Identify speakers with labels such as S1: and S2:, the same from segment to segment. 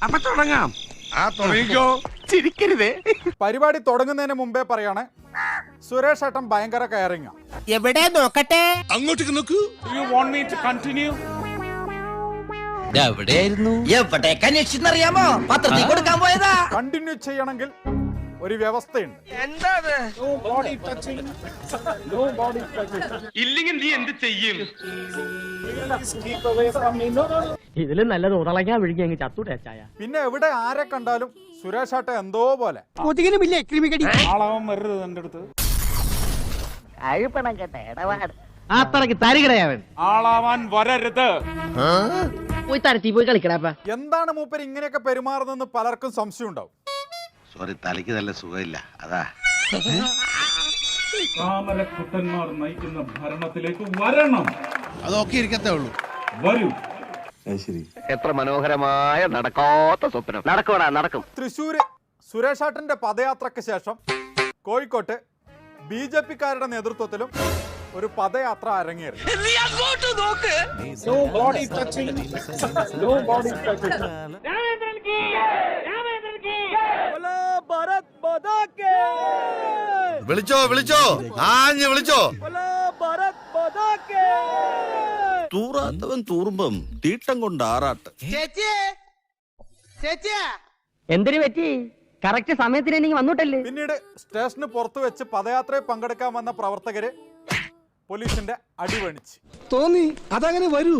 S1: അപ്പൊ തുടങ്ങാം. തുടങ്ങിക്കോ, ചിരിക്കരുതേ.
S2: പരിപാടി തുടങ്ങുന്നതിന് മുമ്പേ പറയാണ്, സുരേഷ് ഏട്ടൻ ഭയങ്കര കെയറിംഗ്.
S3: എവിടെ നോക്കട്ടെ,
S1: അങ്ങോട്ടേക്ക് നോക്കൂ.
S2: You want me to continue?
S3: എവിടെയായിരുന്നു?
S4: എവിടേക്കാ അന്വേഷിച്ചെന്നറിയാമോ? പത്രത്തിൽ കൊടുക്കാൻ പോയതാ.
S2: കണ്ടിന്യൂ ചെയ്യണമെങ്കിൽ ഒരു വ്യവസ്ഥയുണ്ട്.
S1: ഇല്ലെങ്കിൽ നീ എന്ത് ചെയ്യും?
S5: ഇതിലും നല്ലത് ഉടളയ്ക്കാൻ വിഴുങ്ങി അങ്ങ് ചത്തൂടെ ചായ.
S2: പിന്നെ എവിടെ ആരെ കണ്ടാലും സുരേഷ് ഏട്ടൻ എന്തോ പോലെ.
S5: കൊതുകിനുമില്ലേ ക്രിമികടി?
S2: ആളാവാൻ വരരുത് എന്റെ അടുത്ത്.
S5: അഴുപ്പണം കേട്ട ഇടപാട് അത്രക്ക് തരികടയാവൻ.
S2: ആളാവാൻ വരരുത്.
S5: പോയി തരത്തി പോയി കളിക്കടാപ്പ.
S2: എന്താണ് മൂപ്പര് ഇങ്ങനെയൊക്കെ പെരുമാറുന്നെന്ന് പലർക്കും സംശയം ഉണ്ടാവും.
S6: സോറി, തലയ്ക്ക് നല്ല സുഖമില്ല, അതാ.
S7: താമരക്കുട്ടന്മാർ നയിക്കുന്ന ഭരണത്തിലേക്ക് വരണം.
S6: അതൊക്കെ ഇരിക്കത്തേ ഉള്ളൂ.
S7: വരൂ.
S3: എത്ര മനോഹരമായ നടക്കാത്ത സ്വപ്നം. നടക്കൂടാ, നടക്കും.
S2: തൃശ്ശൂര് സുരേഷ് ഏട്ടന്റെ പദയാത്രയ്ക്ക് ശേഷം കോഴിക്കോട്ട് BJP-ക്കാരുടെ നേതൃത്വത്തിലും ഒരു പദയാത്ര അരങ്ങേറി.
S6: വിളിച്ചോ വിളിച്ചോ, ആഞ്ഞ് വിളിച്ചോ. തൂറാത്തവൻ തൂറുമ്പം തീട്ടം കൊണ്ട് ആറാട്ട്.
S5: എന്തിനു പറ്റി? കറക്റ്റ് സമയത്തിന് എനിക്ക് വന്നിട്ടല്ലേ.
S2: പിന്നീട് സ്റ്റേഷന് പുറത്തു വെച്ച് പദയാത്രയിൽ പങ്കെടുക്കാൻ വന്ന പ്രവർത്തകര് പോലീസിന്റെ അടിവണിച്ച്.
S4: തോന്നി അതങ്ങനെ വരൂ.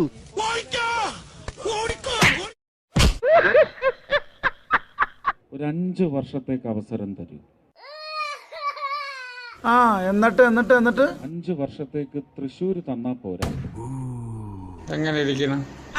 S7: ഒരു 5 വർഷത്തേക്ക് അവസരം തരൂ.
S2: എന്നിട്ട്
S7: 5 വർഷത്തേക്ക് തൃശ്ശൂർ തന്നാ പോരാ,
S2: എങ്ങനെ ഇരിക്കണം?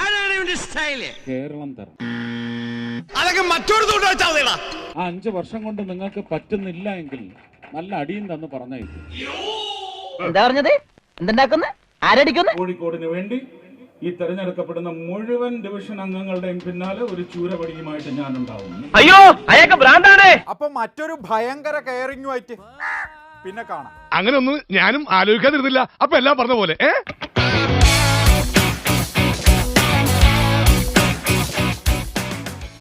S7: കേരളം തരാം.
S1: അതൊക്കെ മറ്റൊരു വെച്ചാ.
S7: ആ 5 വർഷം കൊണ്ട് നിങ്ങൾക്ക് പറ്റുന്നില്ല എങ്കിൽ നല്ല അടിയും തന്ന് പറഞ്ഞേക്കും.
S5: എന്താ പറഞ്ഞത്? എന്തുണ്ടാക്കുന്ന? ആരടിക്കുന്നു?
S7: കോഴിക്കോടിന് വേണ്ടി ഈ തെരഞ്ഞെടുക്കപ്പെടുന്ന മുഴുവൻ ഡിവിഷൻ അംഗങ്ങളുടെയും പിന്നാലെ ഒരു ചൂരപടിയുമായിട്ട് ഞാൻ ഉണ്ടാവും.
S3: അയ്യോ, അയാൾക്ക് ഭ്രാന്താണ്.
S2: അപ്പൊ മറ്റൊരു ഭയങ്കര കെയറിംഗുമായിട്ട് പിന്നെ കാണാം.
S1: അങ്ങനെ ഒന്നും ഞാനും ആലോചിക്കാതിരുന്നില്ല. അപ്പൊ എല്ലാം പറഞ്ഞ പോലെ